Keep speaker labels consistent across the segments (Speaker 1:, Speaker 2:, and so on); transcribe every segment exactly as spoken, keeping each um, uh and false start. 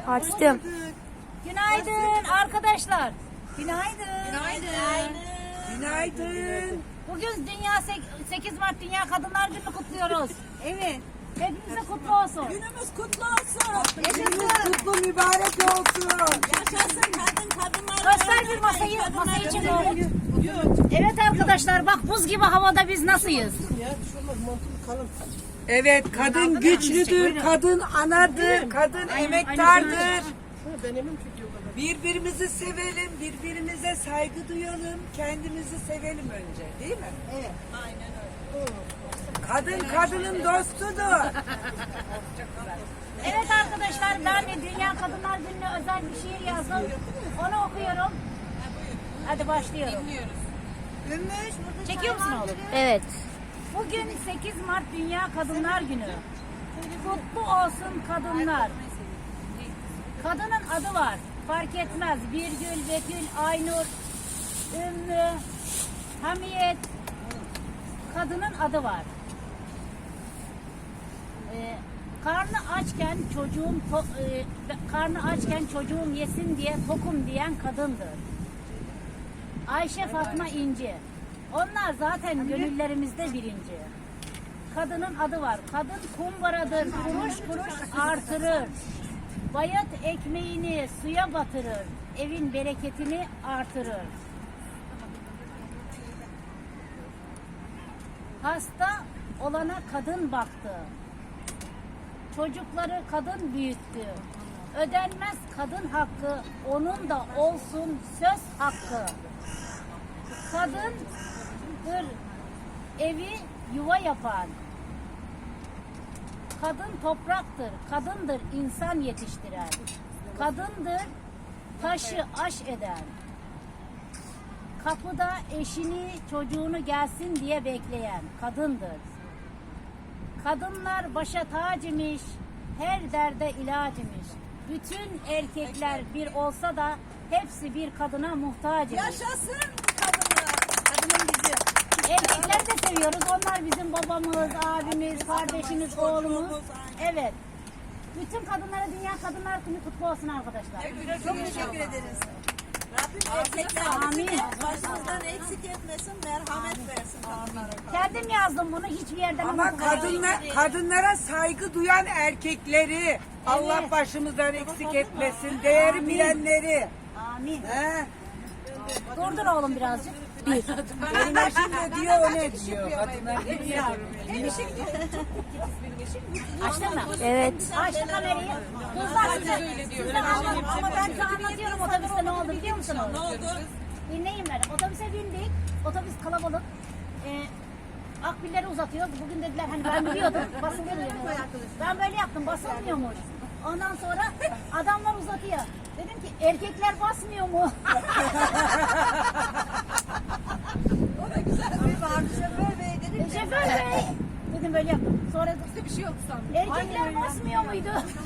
Speaker 1: Açtım.
Speaker 2: Günaydın arkadaşlar. Günaydın.
Speaker 3: Günaydın. Günaydın.
Speaker 2: Bugün Dünya sekiz Mart Dünya Kadınlar Günü kutluyoruz.
Speaker 3: Evet.
Speaker 2: Hepinize kutlu olsun.
Speaker 3: Günümüz kutlu olsun. Günümüz kutlu mübarek olsun. Yaşasın kadın kadınlar.
Speaker 2: Göster bir masayı. Masayı çek oğlum. Evet arkadaşlar bak buz gibi havada biz nasılız?
Speaker 3: Evet, kadın güçlüdür, kadın anadır, kadın emektardır. Birbirimizi sevelim, birbirimize saygı duyalım, kendimizi sevelim önce, değil mi? Evet, aynen öyle. Kadın kadının dostudur.
Speaker 2: Evet arkadaşlar ben de Dünya Kadınlar Günü'ne özel bir şiir yazdım. Onu okuyorum. Hadi başlıyorum. Çekiyor musun oğlum?
Speaker 1: Evet.
Speaker 2: Bugün sekiz Mart Dünya Kadınlar Günü. Kutlu olsun kadınlar. Kadının adı var. Fark etmez. Birgül, Betül, Aynur, Ümmü, Hamiyet. Kadının adı var. Ee, karnı açken çocuğum to- e, karnı açken çocuğum yesin diye tokum diyen kadındır. Ayşe, Fatma, İnci. Onlar zaten gönüllerimizde birinci. Kadının adı var. Kadın kumbaradır. Kuruş kuruş artırır. Bayat ekmeğini suya batırır. Evin bereketini artırır. Hasta olana kadın baktı. Çocukları kadın büyüttü. Ödenmez kadın hakkı, onun da olsun söz hakkı. Kadındır evi yuva yapan. Kadın topraktır, kadındır insan yetiştiren. Kadındır taşı aş eden. Kapıda eşini, çocuğunu gelsin diye bekleyen kadındır. Kadınlar başa tac imiş, her derde ilaç imiş. Bütün erkekler bir olsa da hepsi bir kadına muhtaç imiş.
Speaker 3: Yaşasın kadınlar.
Speaker 2: Kadının bizi. Erkekler de seviyoruz. Onlar bizim babamız, abimiz, kardeşimiz, oğlumuz. Evet. Bütün kadınlara Dünya Kadınlar Günü kutlu olsun arkadaşlar.
Speaker 3: Çok teşekkür ederiz. Rabbim erkeklerimizi başımızdan eksik etmesin, merhamet versin kadınlara.
Speaker 2: Kendim yazdım bunu hiçbir yerden
Speaker 3: Ama
Speaker 2: okumadım.
Speaker 3: kadınlar, kadınlara saygı duyan erkekleri Allah başımızdan eksik etmesin, değeri
Speaker 2: Amin.
Speaker 3: bilenleri.
Speaker 2: Amin.
Speaker 3: He?
Speaker 2: Durdur oğlum birazcık.
Speaker 3: Benim eşim de diyor, o ne diyor? Kadınlar ne diyor?
Speaker 2: Açtın mı?
Speaker 1: Evet.
Speaker 2: Açtı kamerayı. Kızlar size, size anladım ama ben size anlatıyorum otobüste ne oldu biliyor musunuz? Ne oldu? Dinleyin beni. Otobüse bindik. Otobüs kalabalık. Ee, akbilleri uzatıyoruz. Bugün dediler hani ben biliyordum. Basılıyor yani. Ben böyle yaptım. Basılmıyormuş. Ondan sonra adamlar uzatıyor. Dedim ki erkekler basmıyor mu?
Speaker 3: O da güzel bir vardı, şoför bey dedi.
Speaker 2: E, Şoför bey. Dedim böyle yaptım. Sonra
Speaker 3: Bir şey yok sandım.
Speaker 2: erkekler basmıyor muydu?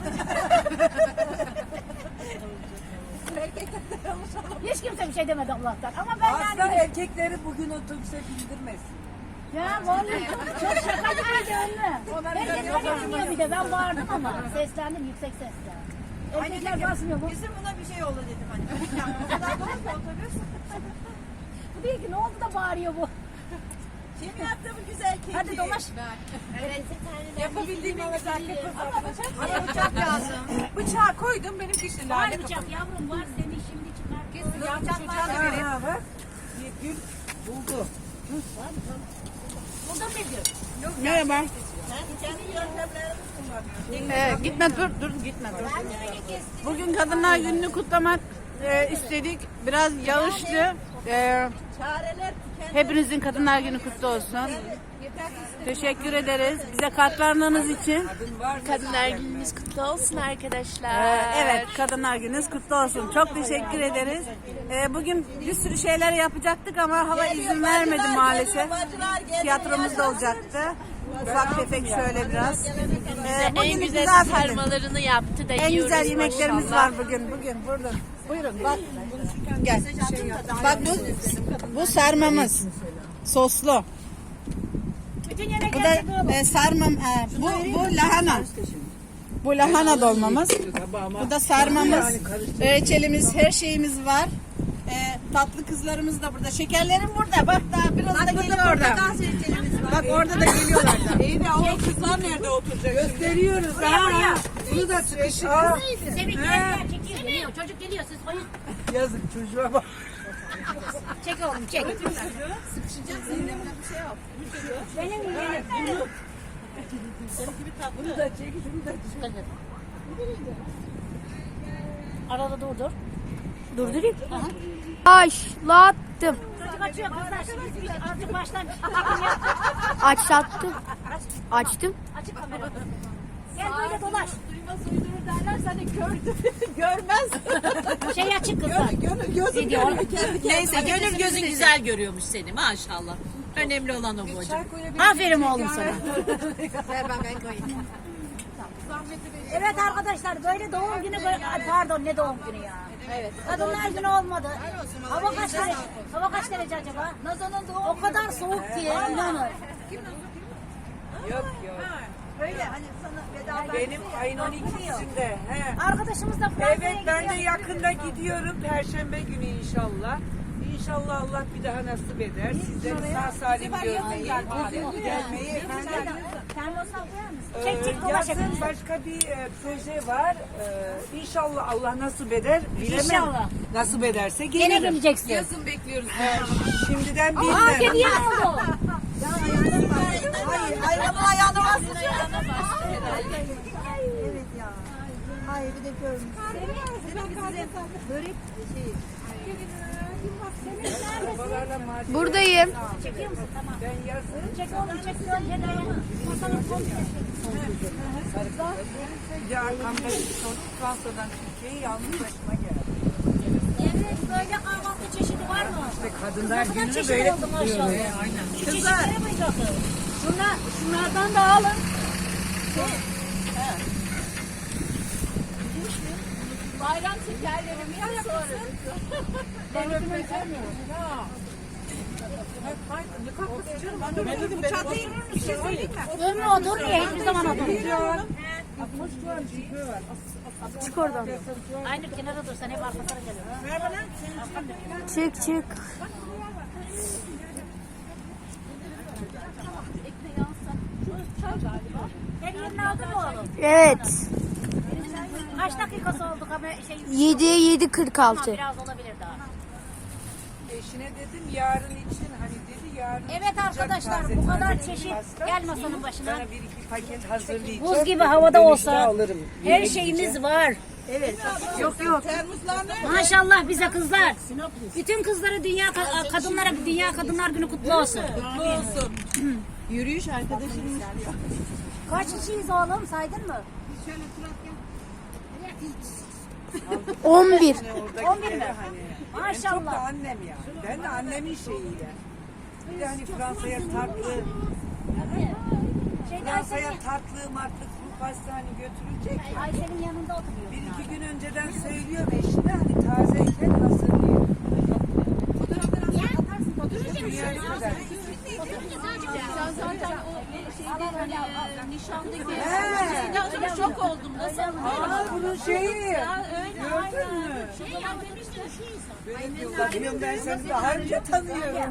Speaker 2: Hiç kimse bir şey demedi Allah'tan. Ama ben
Speaker 3: Aslında
Speaker 2: yani...
Speaker 3: erkekleri bugün otobüse bindirmesin.
Speaker 2: Ya vallahi çok, çok şaka gibiydi önüne. Herkes beni dinliyor bir de. Ben bağırdım ama. Seslendim yüksek sesle. Erkekler basmıyor mu?
Speaker 3: Bizim buna bir şey oldu dedim hani. O kadar dolu ki otobüs.
Speaker 2: Bu değil ki ne oldu da bağırıyor bu.
Speaker 3: Kim yaptı bu güzel keki?
Speaker 2: Hadi dolaş.
Speaker 3: Yapabildiğim en güzel keki. Ama bıçak, ama bıçak lazım. Bıçağı koydum benim dişli
Speaker 2: Var
Speaker 3: lale
Speaker 2: bıçak yavrum var. Seni şimdi çıkar.
Speaker 3: Kesin ya bıçağı da vereyim. Ha bak. Bir gül buldu.
Speaker 2: Buldum bir gün.
Speaker 4: Merhaba.
Speaker 3: Kendi yöntemlerimiz kullanıyoruz.
Speaker 4: Ee, gitme dur dur gitme dur. Bugün Kadınlar Günü'nü kutlamak e, istedik. Biraz yağışlı. E,
Speaker 3: Çareler tükendi.
Speaker 4: hepinizin Kadınlar Günü kutlu olsun. Teşekkür ederiz bize katlandığınız için.
Speaker 1: Kadınlar Gününüz kutlu olsun arkadaşlar.
Speaker 4: Ee, evet Kadınlar Gününüz kutlu olsun. Çok teşekkür ederiz. Ee, bugün bir sürü şeyler yapacaktık ama hava izin vermedi maalesef. Tiyatromuz da olacaktı. Ufak tefek şöyle biraz. Ee,
Speaker 1: en
Speaker 4: bugün
Speaker 1: güzel
Speaker 4: misafirimiz.
Speaker 1: sarmalarını yaptı da
Speaker 4: En
Speaker 1: yiyoruz
Speaker 4: güzel yemeklerimiz
Speaker 1: maşallah.
Speaker 4: var bugün. Bugün burada. Buyurun bak. Gel. Bak bu bu sarmamız. Soslu.
Speaker 2: Bütün
Speaker 4: Bu
Speaker 2: yemekler
Speaker 4: da e, sarmam. e, bu bu lahana. Bu lahana dolmamız. Bu da sarmamız. Reçelimiz, her şeyimiz var. Ee, tatlı kızlarımız da burada. Şekerlerim burada. Bak daha biraz da geliyor orada. Bak orada da geliyorlar da.
Speaker 3: İyi de o kızlar nerede oturacak? Gösteriyoruz ha. Bunu da sıkışır. Aa,
Speaker 2: Semih gel çekiyor geliyor. Çocuk geliyor siz koyun.
Speaker 3: yazık çocuğa bak.
Speaker 2: Çek oğlum çek. Benim yeğenim.
Speaker 3: Bunu da çek, şunu da çek.
Speaker 2: Arada durdur.
Speaker 1: Durdurayım. Başlattım.
Speaker 2: Çocuk açıyor kızlar. Şimdi artık baştan.
Speaker 1: Açlattım. Açtım.
Speaker 2: Açık kamera. Gel böyle dolaş.
Speaker 5: Görmez.
Speaker 2: Şey açık kızlar.
Speaker 5: Gönül gözü
Speaker 2: Video.
Speaker 5: Neyse gönül gözün güzel görüyormuş seni maşallah. Önemli olan o bu hocam.
Speaker 2: Aferin oğlum sana. Evet arkadaşlar böyle doğum günü böyle Ay, pardon ne doğum günü ya. Evet. Kadınlar günü olmadı. Hava kaç derece? Hava kaç derece acaba? Nazan'ın doğum O kadar soğuk ki inanın.
Speaker 3: Yok yok.
Speaker 5: Öyle hani sana veda
Speaker 3: Benim ayın on ikisinde. He.
Speaker 2: Arkadaşımız da Fransa'ya
Speaker 3: Evet ben de
Speaker 2: gidiyor.
Speaker 3: yakında gidiyorum. Perşembe günü inşallah. İnşallah Allah bir daha nasip eder. Sizleri sağ salim görmeyi. Gelmeyi efendim.
Speaker 2: Çek çek dolaş
Speaker 3: Yazın
Speaker 2: hepimiz.
Speaker 3: başka bir e, proje var. E, İnşallah Allah nasip eder. Bilemem.
Speaker 2: İnşallah.
Speaker 3: Nasip ederse
Speaker 2: Gene
Speaker 3: gelirim.
Speaker 2: geleceksin.
Speaker 5: Yazın bekliyoruz.
Speaker 3: Şimdiden
Speaker 2: Aa
Speaker 3: bilmem.
Speaker 2: kedi oldu.
Speaker 5: Hayır ayağımın ayağına bastı.
Speaker 6: Hayır bir de görmüş.
Speaker 3: Babalarla maaş
Speaker 1: Buradayım.
Speaker 2: Çekiyor musun? Tamam.
Speaker 3: ben yazın.
Speaker 2: Çek oğlum çek. Cedaya. Masanın komple.
Speaker 3: Bir de arkamda bir çocuk Fransa'dan Türkiye'ye yalnız başıma geldi.
Speaker 2: Evet böyle kahvaltı çeşidi var mı?
Speaker 3: İşte kadınlar
Speaker 2: Kadar
Speaker 3: gününü
Speaker 2: çeşit
Speaker 3: böyle
Speaker 2: oldu maşallah.
Speaker 3: kutluyoruz.
Speaker 2: Şu çeşitlere mi bakın? Şunlar, şunlardan da alın.
Speaker 5: Bayram şekerlerimi yapıyoruz.
Speaker 2: Ben öpümü sevmiyorum. Ömrü oturmuyor, hiçbir zaman oturmuyor.
Speaker 1: Çık oradan.
Speaker 2: Aynı kenara dursan hep arkasına geliyor.
Speaker 1: Çık çık.
Speaker 2: Her yerini aldın mı oğlum?
Speaker 1: Evet.
Speaker 2: Kaç dakikası oldu kamera şey?
Speaker 1: yedi yedi kırk
Speaker 2: Tamam,
Speaker 1: altı.
Speaker 2: biraz olabilir daha.
Speaker 3: Eşine dedim yarın için hani dedi yarın
Speaker 2: Evet
Speaker 3: çıkacak
Speaker 2: arkadaşlar
Speaker 3: taze
Speaker 2: bu kadar
Speaker 3: taze
Speaker 2: çeşit.
Speaker 3: pasta.
Speaker 2: Gel masanın başına.
Speaker 3: Sana bir iki paket hazırlayacağım.
Speaker 2: Buz gibi havada
Speaker 3: Dönüşte
Speaker 2: olsa
Speaker 3: alırım.
Speaker 2: her
Speaker 3: Yeni
Speaker 2: şeyimiz
Speaker 3: gideceğim.
Speaker 2: var.
Speaker 1: Yok yok.
Speaker 2: Maşallah bize kızlar. Bütün kızlara dünya ka- kadınlara dünya kadınlar günü kutlu olsun.
Speaker 5: Yürüyüş arkadaşımız.
Speaker 2: Kaç kişiyiz oğlum saydın mı?
Speaker 1: on bir.
Speaker 3: Oradaki
Speaker 2: on bir mi?
Speaker 3: yere hani. En çok da
Speaker 2: Maşallah.
Speaker 3: annem ya. Ben de annemin şeyiyle. Bir de hani Fransa'ya tatlı,
Speaker 2: Şeyde
Speaker 3: Fransa'ya
Speaker 2: Aysel'in,
Speaker 3: tatlı matlı kuru pasta hani götürülecek ya.
Speaker 2: Aysel'in yanında oturuyor.
Speaker 3: Bir iki gün önceden söylüyorum eşine hani tazeyken hazırlıyor. Dünya ne kadar.
Speaker 5: Nişanda şok oldum. Nasıl?
Speaker 3: Aa bunun şeyi. Gördün mü? Benim bakıyorum ben seni daha önce tanıyorum.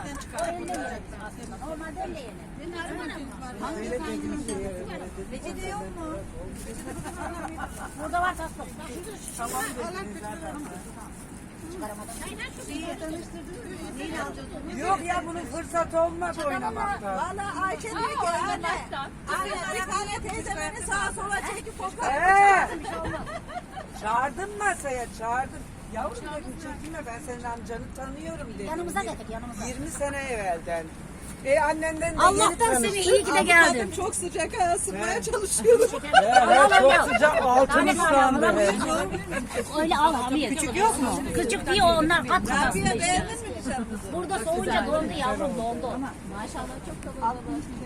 Speaker 2: Normalde öyle yeni.
Speaker 3: Öyle dedim ki. öyle dedim.
Speaker 2: Burada var tatlım.
Speaker 3: Tamam dedim zaten. Yok ya bunun fırsat olmadı oynamakta.
Speaker 5: Valla Ayşe diyor ki anne. Anne bir tane teyze beni sağa sola çekip fotoğraf.
Speaker 3: Ee, çağırdım masaya çağırdım. Yavrum dedim çekinme ben senin amcanı tanıyorum dedim.
Speaker 2: Yanımıza getir yanımıza.
Speaker 3: yirmi sene evvelden. E annenden de
Speaker 2: Allah'tan
Speaker 3: yeni
Speaker 2: seni iyi ki de geldin.
Speaker 5: Çok sıcak ha ısınmaya çalışıyorum.
Speaker 3: Evet, çok sıcak altın ıslandı.
Speaker 2: Öyle al hamiyet. Küçük yok mu? Küçük değil onlar kat kat aslında işte.
Speaker 5: Beğendin mi nişanınızı?
Speaker 2: Burada soğuyunca dondu yavrum dondu. Maşallah çok da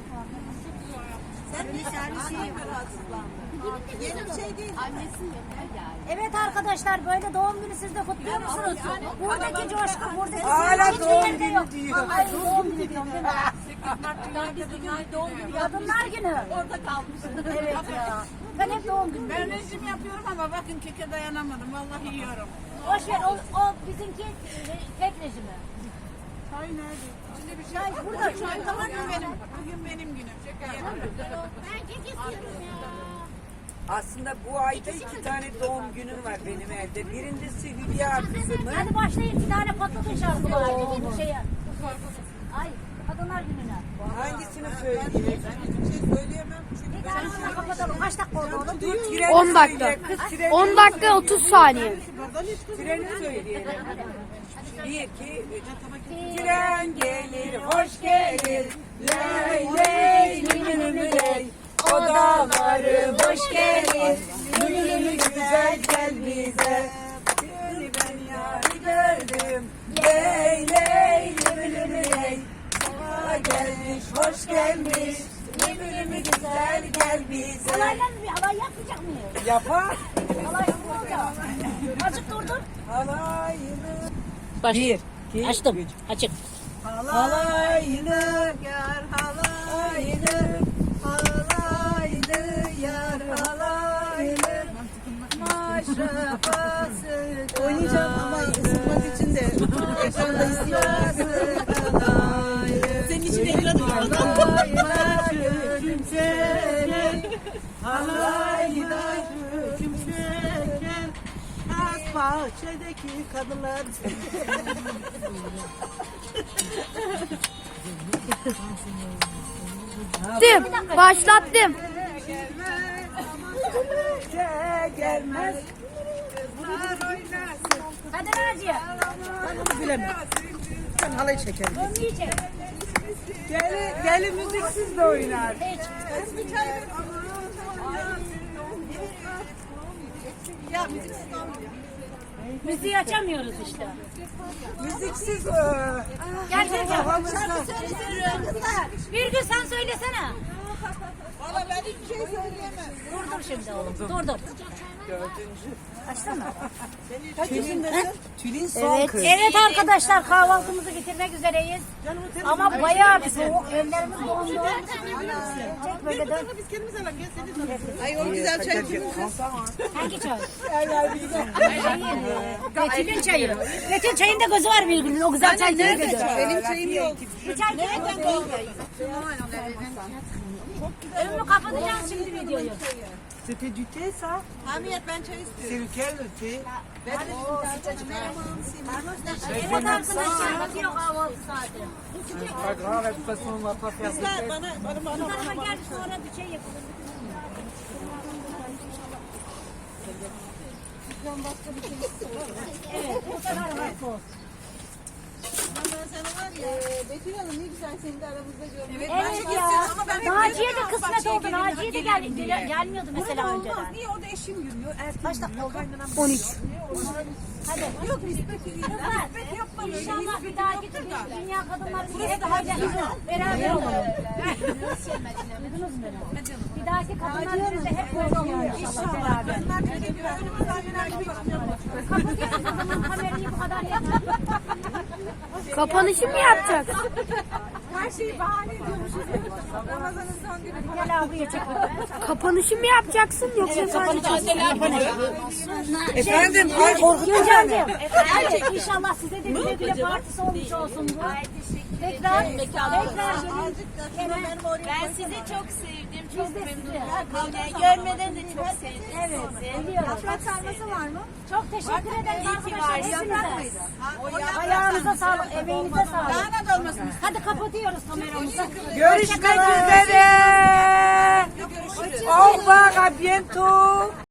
Speaker 5: Sen nişanlısın mı rahatsızlandın? Yeni bir şey değil.
Speaker 2: Evet arkadaşlar böyle doğum günü siz de kutluyor musunuz? Buradaki coşku, buradaki
Speaker 3: Hala
Speaker 2: sevinç
Speaker 3: doğum
Speaker 2: hiçbir yerde
Speaker 3: günü
Speaker 2: yok.
Speaker 3: diyor.
Speaker 2: Ay doğum günü diyorum değil mi? Kadınlar günü.
Speaker 5: Orada kalmışsın.
Speaker 2: Evet ya. Ben hep doğum günü.
Speaker 4: Ben rejim yapıyorum ama bakın keke dayanamadım. Vallahi yiyorum.
Speaker 2: Boş ver o, o bizimki e, tek rejimi.
Speaker 4: Çay nerede? Şimdi bir şey
Speaker 2: Çay burada.
Speaker 4: Çay tamam mı benim? Bugün benim günüm. Şaka yapıyorum.
Speaker 2: Ben kek istiyorum ya.
Speaker 3: Aslında bu ayda iki tane doğum günüm var benim evde. Birincisi Hülya kızımın.
Speaker 2: Hadi başlayın bir tane patlatın şarkılar. Bir şeye. Ay kadınlar gününe.
Speaker 3: Hangisini söyleyeyim?
Speaker 2: Bir tane kapatalım. Kaç dakika oldu oğlum?
Speaker 3: Dur, treni
Speaker 1: on dakika.
Speaker 3: söyle. Kız treni
Speaker 1: on dakika otuz saniye.
Speaker 3: Treni söyleyelim. Bir, iki, üç. Tren gelir, hoş gelir. Ley ley, lülülü ley. Odaları boş gelir. Lülülü güzel gel bize. Seni ben yari gördüm. Ley ley, lülülü ley. Bana gelmiş, hoş gelmiş. Lülülü güzel gel bize.
Speaker 2: Halayla bir halay yapmayacak mıyız?
Speaker 3: Yapar.
Speaker 2: Halay yapmayacak. Azıcık durdur.
Speaker 3: Halayını.
Speaker 2: Baş.
Speaker 3: Bir, iki,
Speaker 2: Açtım.
Speaker 3: üç.
Speaker 2: Açık.
Speaker 3: Halayını,
Speaker 4: Yar halaylı,
Speaker 3: halayını, yar halayını.
Speaker 4: maşrafası. Oynayacağım ama ısınmak için de ekranda istiyorum. Senin için ekranı Halayla küçümserim, halayla küçümserim. Az bahçedeki kadınlar.
Speaker 1: Dım, başlattım.
Speaker 3: Gelmez.
Speaker 2: Hadi Naciye.
Speaker 4: Ben halayı çekerim.
Speaker 2: Dönmeyecek.
Speaker 3: Gelin, gelin müziksiz de oynar.
Speaker 2: Hiç. Müziği açamıyoruz işte.
Speaker 3: Müziksiz.
Speaker 2: Gel gel gel.
Speaker 3: Kafamızda.
Speaker 2: Bir gün sen söylesene.
Speaker 5: Valla ben hiçbir şey söyleyemem.
Speaker 2: Dur dur şimdi oğlum. Dur dur.
Speaker 3: Dördüncü.
Speaker 2: Açtın mı?
Speaker 3: Tülin, Tülin son
Speaker 1: Evet.
Speaker 3: kız.
Speaker 2: Evet arkadaşlar kahvaltımızı bitirmek üzereyiz. Ama bayağı bir soğuk. Evlerimiz dondu. Çek böyle dön.
Speaker 4: Ay o güzel çay.
Speaker 2: Hangi çay? Betül'ün çayı. Betül çayın da gözü var bir gün. O güzel çay değil mi?
Speaker 4: Benim çayım yok.
Speaker 2: Bir çay nereden Önümü kapatacağım şimdi videoyu.
Speaker 3: C'était du thé ça?
Speaker 5: Hamiyet ben çay istiyorum.
Speaker 3: C'est lequel le thé?
Speaker 2: Evet arkadaşlar bakıyor kahvaltı saati.
Speaker 3: Pas grave, de toute façon on va pas faire de
Speaker 5: Kızlar
Speaker 3: fête.
Speaker 5: bana, bana, bana.
Speaker 2: Bu tarafa gel sonra bir şey yapalım. Evet bu sefer var sos.
Speaker 5: Ben sana var ya, Betül Hanım ne güzel seni de aramızda görmek.
Speaker 2: Evet
Speaker 5: çok
Speaker 2: ya.
Speaker 5: istiyorum ama ben hep
Speaker 2: Naciye de
Speaker 5: diyorum,
Speaker 2: kısmet
Speaker 5: bahçeye
Speaker 2: oldu.
Speaker 5: gelin,
Speaker 2: Naciye de gel, gel, gelmiyordu mesela
Speaker 5: Olmaz.
Speaker 2: önceden.
Speaker 5: Niye orada eşim yürüyor? Erken
Speaker 2: Kaç dakika oldu?
Speaker 1: on üç.
Speaker 2: Hadi.
Speaker 5: Yok nispet yürüyor.
Speaker 2: Kızlar
Speaker 5: Nispet yapma.
Speaker 2: inşallah bir dahaki Dünya Kadınlar Günü hep böyle beraber olalım. Duydunuz mu beni? Bir dahaki Kadınlar Günü'nde hep böyle olalım inşallah beraber. Kapatıyoruz o zaman kamerayı bu kadar yeter.
Speaker 1: Kapanışı mı yapacaksın?
Speaker 5: Her şeyi bahane ediyormuşuz. Ramazan'ın son günü.
Speaker 2: Gel abiye çek.
Speaker 1: Kapanışı mı yapacaksın yoksa sadece?
Speaker 3: Efendim, ay korkutma beni.
Speaker 2: Gülcan'cığım, efendim, inşallah size de güle güle partisi olmuş olsun bu. Tekrar, tekrar gelin.
Speaker 5: Ben sizi çok sevdim.
Speaker 2: Biz de sizi.
Speaker 5: Görmeden de çok sevdim.
Speaker 2: Evet, biliyoruz.
Speaker 5: Yaprak sarması var mı?
Speaker 2: Çok teşekkür ederiz arkadaşlar
Speaker 5: Yaprak
Speaker 2: hepinize.
Speaker 5: mıydı?
Speaker 2: Ayağınıza sağlık, emeğinize sağlık. Hadi kapatıyoruz kameramızı.
Speaker 3: Görüşmek üzere. Au revoir, à bientôt.